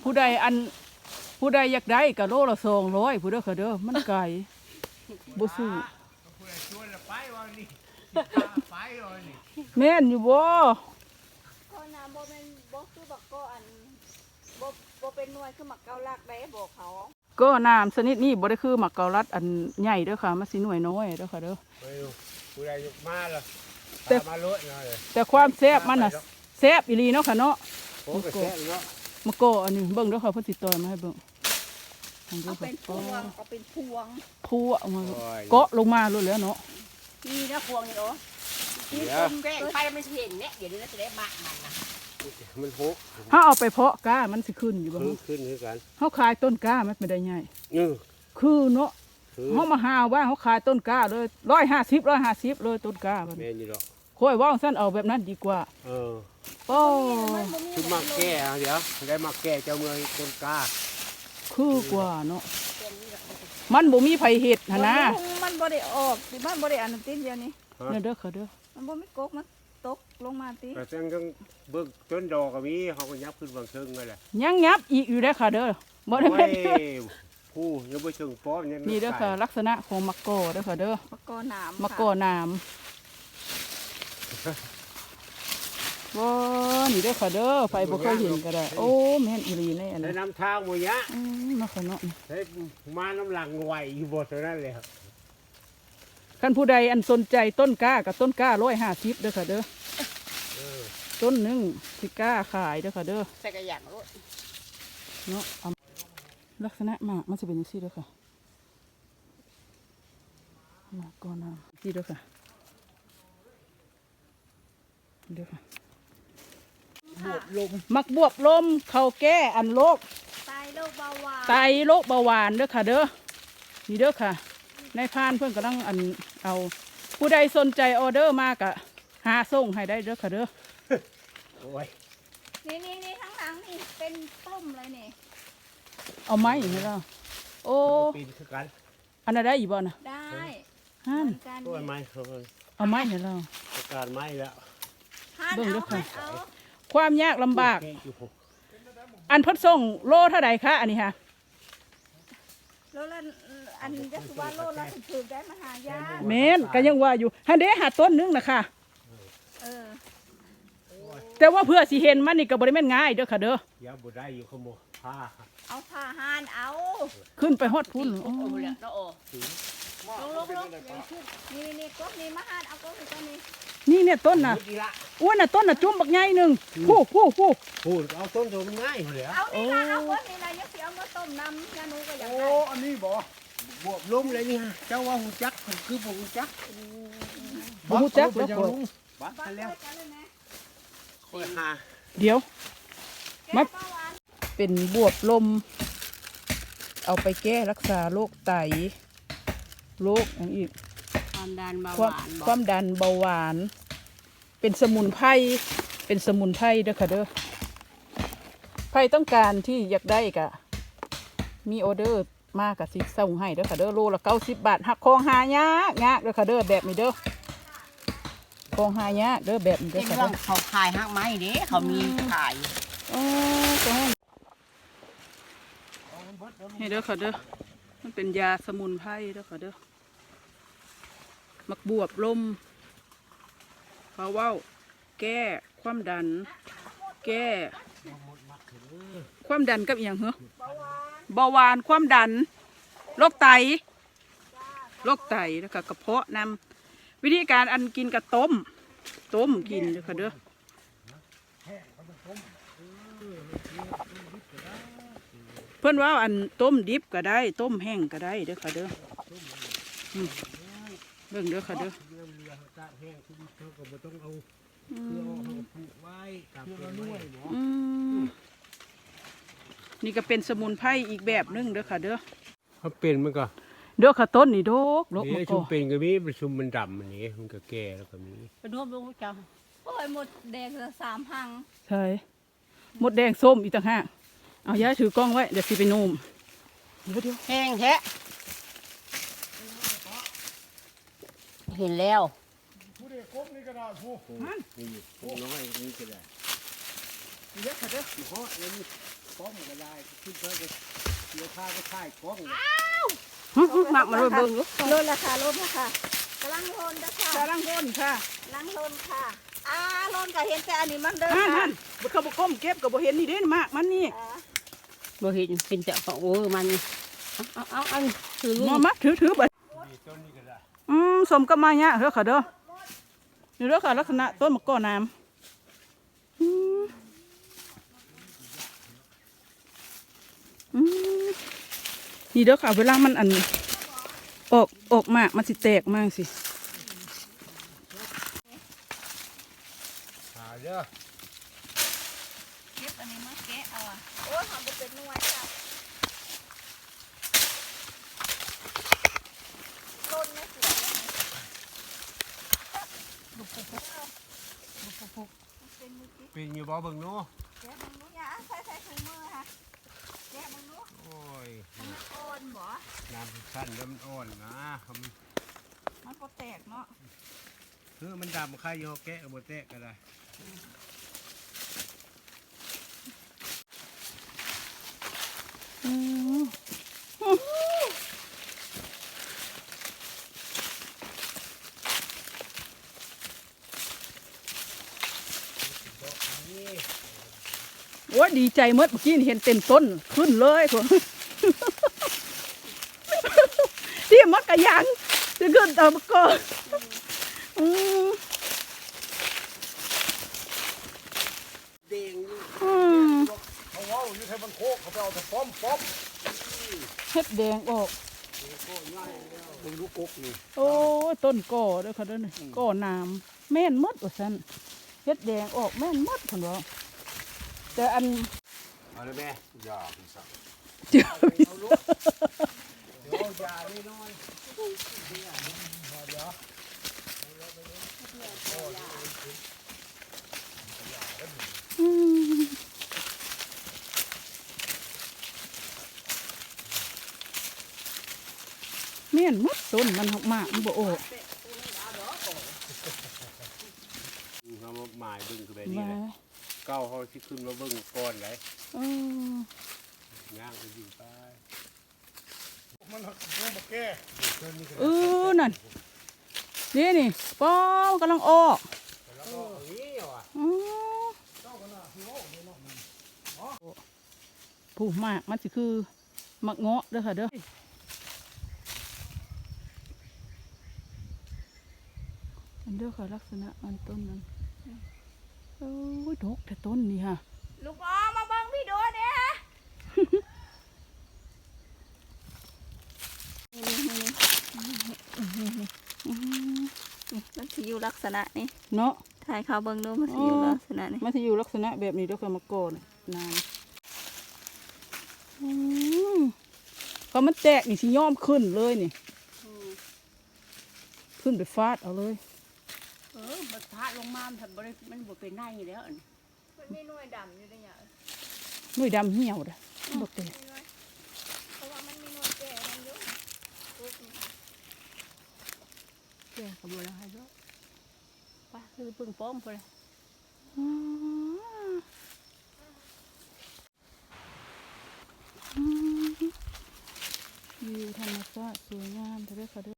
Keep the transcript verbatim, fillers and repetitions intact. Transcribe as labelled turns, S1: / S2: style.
S1: ผู้ใดอันผู้ใดอยากได้กะโลละสองร้อยผู้เด้อค่ะเด้อมันไก่บ่ซื้อแม่นอยู่บ่
S2: ก็น้ำบ่แม่นบ่คือบักก็อันบ่บ่เป็นหน่วยคือหมักเกาลักได้บอกเขา
S1: ก็น้ำชนิดนี้บ่ได้คือหมักเกาลัดอันใหญ่เด้อค่ะมันสิหน่วยน้อยเด้อค่ะเด้อ
S3: ผู้ใดยกมาล่ะแต่มาลดหน่อย
S1: แต่ความแซ่บมันน่ะแซ่บอีหลีเนาะค่ะเนาะ
S3: โอ้ก็แซ่บเนาะ
S1: มะกออันนี้เบิ่งเด้อค่ะเพิ่นสิต่อยมาให้เบิ่ง
S2: เอาเป็นพวงเอาเป็นพวง
S1: พวงมาเกาะลงมาโลดแล้วเนาะ
S2: นี่นะพวงนี่เหรอ
S3: นี่
S2: แกงไปมันเห็นเนี่ยเดี๋ยวนี้จะได้มากมันนะ
S3: มันโห
S1: ถ้าเอาไปเพาะก้ามันสิขึ้นอยู่บ่
S3: ขึ้นขึ้นคือกัน
S1: เฮาขายต้นก้ามันไม่ได้ใหญ่
S3: เออ
S1: คือเนาะเฮามาหาว่าเฮาขายต้นก้าเลยหนึ่งร้อยห้าสิบ หนึ่งร้อยห้าสิบเลยต้นก้ามัน
S3: แม่นอยู่ดอก
S1: ค่อยว่าซั่นเอาแบบนั้นดีกว่า
S3: เออ
S1: โอ้
S3: ชุบมาแก้เดี๋ยวได้มาแก้เจ้าเมืองต้นกล้า
S1: คือกว่าเนาะมันบ่มีไผเฮ็ดหั่นนะ
S2: มันบ่ได้ออกสิมันบ่ได้อันติเดียวนี้
S1: เด้อเด้อค่ะเด้อ
S2: มันบ่มีกกมันตกลงมาติ
S3: แต่จังจังเบิ่งต้นดอกก็มีเฮาก็ยับขึ้นบางเชิงนั่นแหละ
S1: ยังยับอีกอยู่เด้อค่ะเด้อบ่ได้แม่น
S3: ผู้ยังบ่เชิงป้อมยัง
S1: นี่เด้อค่ะลักษณะของมะกอเด้อค่ะเด้อ
S2: มะกอน้ำ
S1: มะกอน้ำว้านี่เด้อค่ะเด้อไฟบ่เคยเห็นก็ได้โอ้แม่นอีหลีในอัน
S3: นั้น
S1: น้
S3: ำทางหมู่ยะ
S1: อืมเนาะค่ะเนาะ
S3: เฮ้ยมาน้ำหลังไหวอยู่บ่เท่านั้นเลยครับ
S1: คันผู้ใดอันสนใจต้นกล้ากับต้นกล้าร้อยห้าสิบเด้อค่ะเด้อต้นหนึ่งสิกล้าขายเด้อค่ะเด้อ
S2: ใส่กระอย่างรถ
S1: เนาะลักษณะหมากมันจะเป็นอย่างนี้เด้อค่ะหมากก้อนน้ำนี่เด้อค่ะเด้อค่ะบวบลมมักบวบลมเขาแก้อันโรค
S2: ไตโรคเบาหวาน
S1: ไตโรคเบาหวานเด้อค่ะเด้อนี่เด้อค่ะในพานเพื่อนกำลังอันเอาผู้ใดสนใจออเดอร์มากอะหาส่งให้ได้เด้อค่ะเด้อ
S3: โอ้ย
S2: นี่นี่นี่ข้างหลังนี่เป็นต้มเลยนี่
S1: เอาไม้อย่างนี้แล้วโอ้
S3: ปีนคือกัน
S1: อันนั้นได้อีกบ่นะ
S2: ได้
S1: ฮัน
S3: ตัวไม้เขา
S1: เอาไม้อย่างแล้ว
S3: การไม้แล้ว
S1: เบิ่งเด้อค่ะความยากลำบากอันพัดส่งโลเท่าไหร่คะอันนี้ค่ะ
S2: โลละอันนี้จะว่าโลละถือได้มาหายา
S1: เมนก็ยังว่าอยู่ฮันเดหาต้นนึงนะคะแต่ว่าเพื่อสิเห็นมันนี่ก็บริเวณง่ายเด้อค่ะเด้อย
S3: าบุได้อยู่ขโมยผ้า
S2: เอาผ้าห่านเอา
S1: ขึ้นไปฮอดพุ่น
S2: โอ้โหเนี่ยโอ้ลงลงลงนี่นี่ก๊กนี่มาห่านเอาก๊กนี่ต้นนี้
S1: นี่เนี่ยต้นน่ะอ้วนน่ะต้นน่ะจุ่มบักใหญ่หนึ่งผู้ผู้ผู้
S3: ผู้เอาต้นตัวมันง่ายเลย
S2: เอานี่ละเอาก๊กนี่ละยักษ์เอามาต้มน้ำยาหนูก็อยากได้
S3: โอ้อันนี้บ่บวบล้มเลยนี่ฮะเจ้าว่าหูจักคือบ่หูจัก
S1: บ่หูจักแล้วคน
S3: บัดแล้วค่อยหา
S1: เดี๋ยวมันเป็นบวบลมเอาไปแก้รักษาโรคไตโรคอย่างอีก
S2: ความดันเบาหวาน
S1: ความดันเบาหวานเป็นสมุนไพรเป็นสมุนไพรเด้อค่ะเด้อใครต้องการที่อยากได้กะมีออเดอร์มากกับสิส่งให้เด้อค่ะเด้อโลละเก้าสิบบาทหักคองหายากยากเด้อค่ะเด้อแบบนี้เด้อคองหายากเด้อแบบนี้เด้อค่ะเด้อ
S2: เขาขายหักไม้เด้เขามีขาย
S1: อ๋อจ้าให้เด้อค่ะเด้อมันเป็นยาสมุนไพรเด้อค่ะเด้อมักบวบลมเพราะว่าแก้ความดันแก้ความดันกับอย่างเหรอเบาหวานความดันโรคไตโรคไตแล้วก็กระเพาะนำวิธีการอันกินกับต้มต้มกินเด้อค่ะเด้อเพื่อนว่าอันต้มดิบก็ได้ต้มแห้งก็ได้เด้อค่ะเด้อเบิ่งเด้อค่ะเด้อนี่ก็เป็นสมุนไพรอีกแบบนึงเด้อค่ะเด้อ
S3: เขาเป็นมันก็
S1: เด้อค่ะต้นนี่โดกโดก
S3: มันก็เป็นก็มีประชุมมันดำอันนี้มันก็แก่แล้วก็มี
S2: ไปรวมลงจังโอ้ยหมดแดงละสามพัง
S1: ใช่หมดแดงส้มอีกต่างหากเอาย้ายถือกล้องไว้เดี๋ยวสิไปนุ่ม
S2: แห้งแท้เห็นแล้ว
S3: ผู้เด็กกบนี่ก็ได้ผู้นี่น้อยนี่ก็ได้
S1: เยอะค่ะเด้อ
S3: เพราะนี่ป้อมก็ได้ขึ้นเพื่อจะเดี๋ยวพาไปถ่ายกล้อง
S4: หมักมันโดนเบิ่งอยู่
S2: ลดราคาลดราคากำลังลนนะค่ะ
S1: กำลังก้นค่ะ
S2: กำลังลนค่ะอ่าลนก็เห็นแต่อันนี้มันเด้อ
S1: นั่น
S2: ค่ะ
S1: นั่นบุเขาบุก้มเก็บกับบุเห็นนี่เด้มากมันนี่
S2: อ่า
S4: บ่เห็นเป็นเจ้าของโอ้มันเอาเอาเอาถือ
S1: มอมัดถือถือบัด
S3: นี่ต้นนี้ก็ได้
S1: อืมสมกับมาเนี่ยเฮ้อค่ะเด้อนี่เด้อค่ะลักษณะต้นมะกอกน้ำอืมอืมนี่เด้อค่ะเวลามันอันออกออกมากมันสิแตกมากสิ
S3: หาเด้อ
S2: เก็บอันนี้มาแกะเอาอ่ะโอ้ยหอมเป็นหน่วยค่ะลนไม่สวยเลยเป็นมือกิ๊ก
S3: เป็นอยู่บ่เบิ่งเนาะ
S2: แกะมึงรู้ยังใส่ใส่ถุงมือค่ะแกะมึงรู้
S3: โอ้ย
S2: มันอ่อนบ่
S3: น้ำสั้นแล้วมันอ่อนนะเขามัน
S2: มันก็แตกเนาะ
S3: คือมันดำใครอยู่แกะบ่แตะก็ได้
S1: อืมโอ้ยดีใจเมื่อกี้นี่เห็นเต็มต้นขึ้นเลยคน ที่มักกะยังจะขึ้นตามก่อนอืม
S3: เด้งอยู่
S1: อืม
S3: เขาเว้าอยู่ให้มันโคกเขาไปเอาแต่ป้อมป้อม
S1: เฮ็ดแดงออก
S3: มึงรู้กกนี่
S1: โอ้ยต้นก่อเด้อค่ะเด้อนี่ก่อน้ำแม่นหมดว่าซั่นเฮ็ดแดงออกแม่นหมดพุ่นว่าแต่อัน
S3: เอาเลยแม่อย่าพี่สัก
S1: เจอพี่
S3: เดี๋ยวอย่านี่น้อย
S1: อืมแม่นหมดต้นมันออกมากมันบ่ออก
S3: เขามาหมายเบิ่งคือแบบนี้
S1: ว่า
S3: แหละเก้าเขาที่ขึ้นมาเบิ่งก่อนเลย
S1: เออย่าง
S3: ไปอยู่ไปมันมันบ่แก้
S1: เออนั่นนี่นี่ป้องกำลังออก
S3: แล้วก็นี่ว่ะ
S1: อือผู้มากมันสิคือมักเงาะเด้อค่ะเด้ออันเด้อค่ะลักษณะมันต้นนั้นโอ้ยดกแต่ต้นนี่ค่ะ
S2: ลูกน้องมาเบิ่งพี่ดูเนี่ยฮะมันสิอยู่ลักษณะนี้
S1: เนาะ
S2: ถ่ายเขาเบิ่งดูมันสิอยู่ลักษณะนี้
S1: มันจะอยู่ลักษณะแบบนี้เด้อค่ะมะกอกเนี่ยนานอืมพอมันแตกนี่สิย้อมขึ้นเลยนี่ขึ้นไปฟาดเอาเลย
S4: เออมันพาดลงมามันบ่ได้มันบ่เป็นได้แล้วอัน
S2: มันมีหน่วยดำอยู่ในอย่าง
S1: หน่วยดำเหี่ยวเด้อบ่แตก
S2: เพราะว่ามันมีหน่วยแก่มันอยู่ปุ๊บนี่ค่ะ
S4: แกก็บ่ได้ให้ดอกป้าคือเพิ่งป้อมพุ่น
S1: อืมอืมวิวธรรมชาติสวยงามเด้อค่ะเด้อ